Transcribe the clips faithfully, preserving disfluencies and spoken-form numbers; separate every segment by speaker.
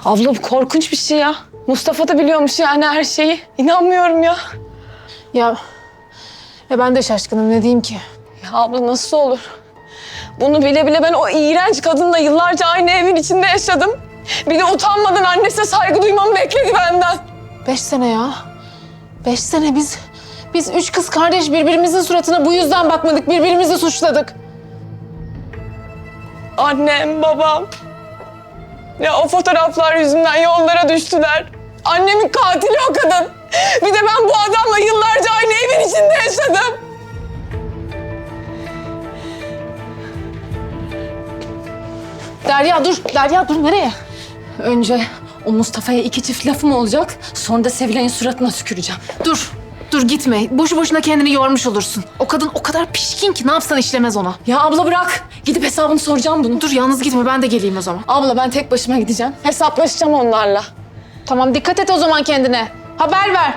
Speaker 1: Abla bu korkunç bir şey ya. Mustafa da biliyormuş yani her şeyi. İnanmıyorum ya.
Speaker 2: Ya, ya ben de şaşkınım, ne diyeyim ki?
Speaker 1: Ya abla nasıl olur? Bunu bile bile ben o iğrenç kadınla yıllarca aynı evin içinde yaşadım. Bir de utanmadan annesine saygı duymamı bekledi benden.
Speaker 2: Beş sene ya. Beş sene biz, biz üç kız kardeş birbirimizin suratına bu yüzden bakmadık, birbirimizi suçladık.
Speaker 1: Annem, babam. Ya o fotoğraflar yüzünden yollara düştüler. Annemin katili o kadın. Bir de ben bu adamla yıllarca aynı evin içinde yaşadım.
Speaker 2: Derya dur, Derya dur, nereye?
Speaker 3: Önce o Mustafa'ya iki çift lafım olacak. Sonra da Sevilay'ın suratına tüküreceğim.
Speaker 2: Dur, dur gitme. Boşu boşuna kendini yormuş olursun. O kadın o kadar pişkin ki ne yapsan işlemez ona.
Speaker 3: Ya abla bırak. Gidip hesabını soracağım bunu.
Speaker 2: Dur yalnız gitme, ben de geleyim o zaman.
Speaker 3: Abla ben tek başıma gideceğim.
Speaker 1: Hesaplaşacağım onlarla.
Speaker 2: Tamam, dikkat et o zaman kendine. Haber ver.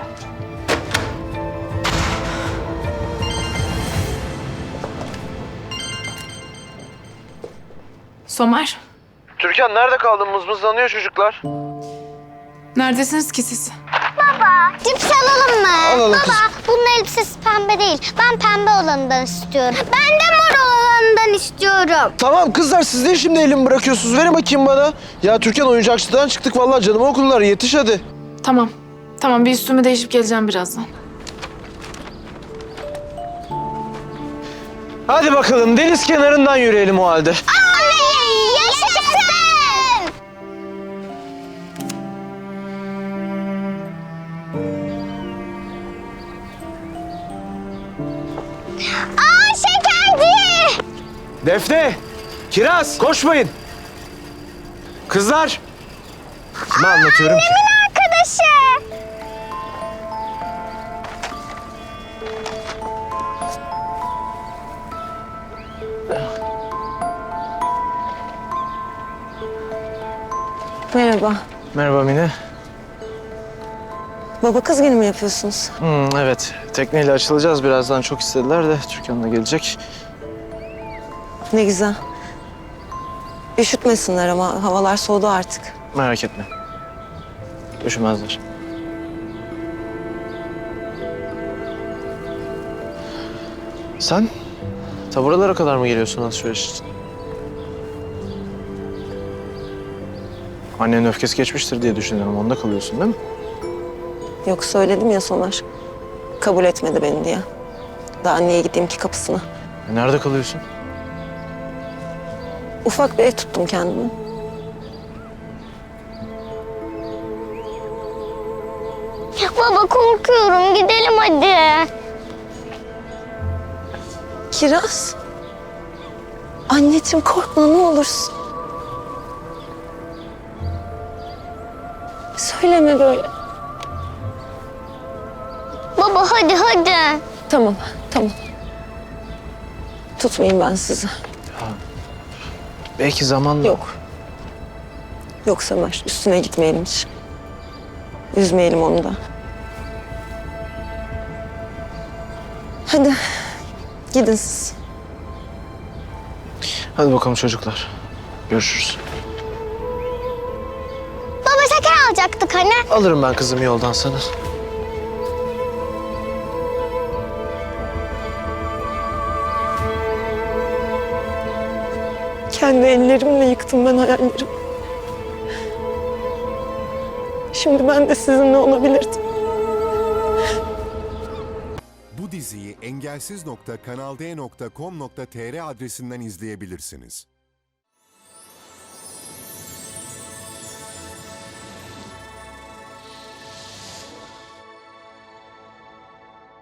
Speaker 2: Somer,
Speaker 4: Türkan nerede kaldın? Mızmızlanıyor çocuklar.
Speaker 2: neredesiniz ki siz?
Speaker 5: Cips alalım mı?
Speaker 4: Alalım
Speaker 5: Baba,
Speaker 4: kızım.
Speaker 5: bunun elbisesi pembe değil. Ben pembe olanından istiyorum. Ben de mor olanından istiyorum.
Speaker 4: Tamam kızlar, siz de şimdi elimi bırakıyorsunuz. Verin bakayım bana. Ya Türkan, oyuncakçıdan çıktık vallahi, canımı okullar. Yetiş hadi.
Speaker 2: Tamam, tamam bir üstümü değişip geleceğim birazdan.
Speaker 4: Hadi bakalım, deniz kenarından yürüyelim o halde.
Speaker 5: Anne, yaşasın! Aa, şekerci!
Speaker 4: Defne, Kiraz, koşmayın. Kızlar. Kime anlatıyorum ki?
Speaker 5: Arkadaşı.
Speaker 6: Merhaba.
Speaker 4: Merhaba Mine.
Speaker 6: Baba kız günü mü yapıyorsunuz?
Speaker 4: Hmm, evet, tekneyle açılacağız birazdan. Çok istediler de Türkan da gelecek.
Speaker 6: Ne güzel. Üşütmesinler ama havalar soğudu artık.
Speaker 4: Merak etme. Üşümezler. Sen ta buralara kadar mı geliyorsun alışveriş için? Annenin öfkesi geçmiştir diye düşünüyorum. Onda kalıyorsun değil mi?
Speaker 6: Yok söyledim ya Somer. Kabul etmedi beni diye. Daha niye gideyim ki kapısına?
Speaker 4: E, nerede kalıyorsun?
Speaker 6: Ufak bir ev tuttum kendime.
Speaker 5: Baba korkuyorum. Gidelim hadi.
Speaker 6: Kiraz. Anneciğim korkma ne olursun. Söyleme böyle.
Speaker 5: Baba hadi hadi.
Speaker 6: Tamam, tamam. Tutmayayım ben sizi.
Speaker 4: Belki zamanla.
Speaker 6: Yok. Yok Somer, üstüne gitmeyelim hiç. Üzmeyelim onu da. Hadi, gidin siz.
Speaker 4: Hadi bakalım çocuklar. Görüşürüz.
Speaker 5: Baba şeker alacaktık hani.
Speaker 4: Alırım ben kızım yoldan sana.
Speaker 6: Kendi ellerimle yıktım ben hayallerimi. Şimdi ben de sizinle olabilirdim.
Speaker 7: Bu diziyi engelsiz nokta kanal d nokta com nokta tr adresinden izleyebilirsiniz.